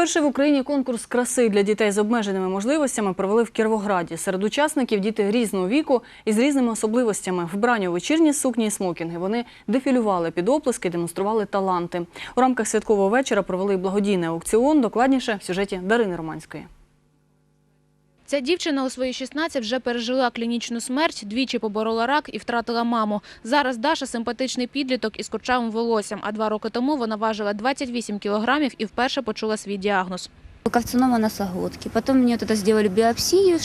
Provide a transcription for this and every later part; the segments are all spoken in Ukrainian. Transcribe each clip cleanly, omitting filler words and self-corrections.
Перший в Україні конкурс краси для дітей з обмеженими можливостями провели в Кіровограді. Серед учасників діти різного віку і з різними особливостями. Вбрані у вечірні сукні і смокінги. Вони дефілювали під оплески, демонстрували таланти. У рамках святкового вечора провели благодійний аукціон. Докладніше в сюжеті Дарини Романської. Ця дівчина у свої 16 вже пережила клінічну смерть, двічі поборола рак і втратила маму. Зараз Даша – симпатичний підліток із курчавим волоссям, а 2 роки тому вона важила 28 кілограмів і вперше почула свій діагноз. Карцинома носоглотки. Потом мне тогда сделали биопсию,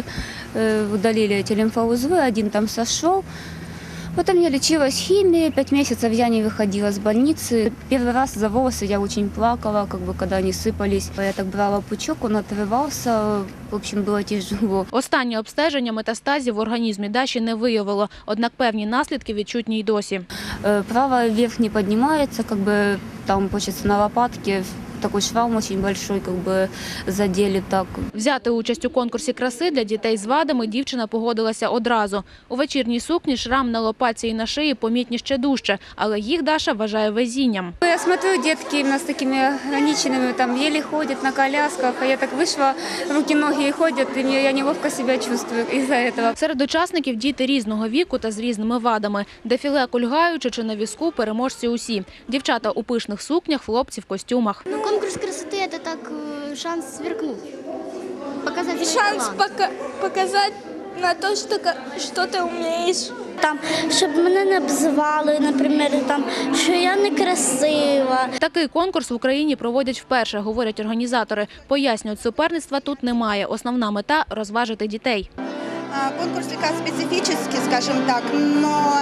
удалили эти лимфоузлы, один там сошел. Потом я лечилась химией, 5 месяцев я не выходила с больницы. Первый раз за волосы я очень плакала, когда они сыпались. Я так брала пучок, он отрывался, в общем, было тяжело. Останнє обстеження метастазів в організмі Даші не виявило, однак певні наслідки відчутні й досі. Правая вверх не поднимается, там, получается, на лопатке. Такой шрам очень большой, задели так. Взяти участь у конкурсі краси для дітей з вадами дівчина погодилася одразу. У вечірній сукні шрам на лопатці і на шиї помітні ще дужче, але їх Даша вважає везінням. Я смотрю, детки именно с такими ограниченными, там еле ходят на колясках, а я так вышла, руки-ноги ходят, и я неловко себя чувствую из-за этого. Серед учасників діти різного віку та з різними вадами. Дефіле кульгаючи чи на візку, переможці усі. Дівчата у пишних сукнях, хлопці в костюмах. Конкурс красоты – это так шанс сверкнуть, показать шанс показать на то, что ты умеешь. Там, щоб мене не обзивали, наприклад, там, що я не красива. Такий конкурс в Україні проводять вперше, говорять організатори. Пояснюють, суперництва тут немає. Основна мета – розважити дітей. Конкурс слегка специфический, скажем так, но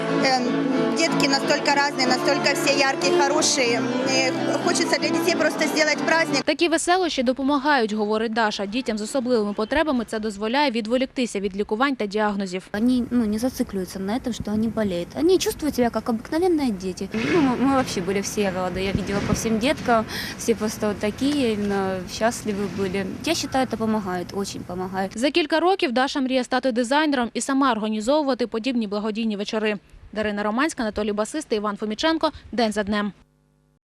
детки настолько разные, настолько все яркие, хорошие. Хочется для детей просто сделать праздник. Такі веселощі допомагають, говорить Даша. Дітям з особливими потребами це дозволяє відволіктися від лікувань та діагнозів. Они не зацикливаются на этом, что они болеют. Они чувствуют себя как обыкновенные дети. Мы вообще были все рады. Я видела по всем деткам, все просто вот такие, именно счастливы были. Я считаю, это помогает, очень помогает. За кілька років Даша мріє стати дизайнером і сама організовувати подібні благодійні вечори. Дарина Романська, Анатолій Басистий, Іван Фоміченко. День за днем.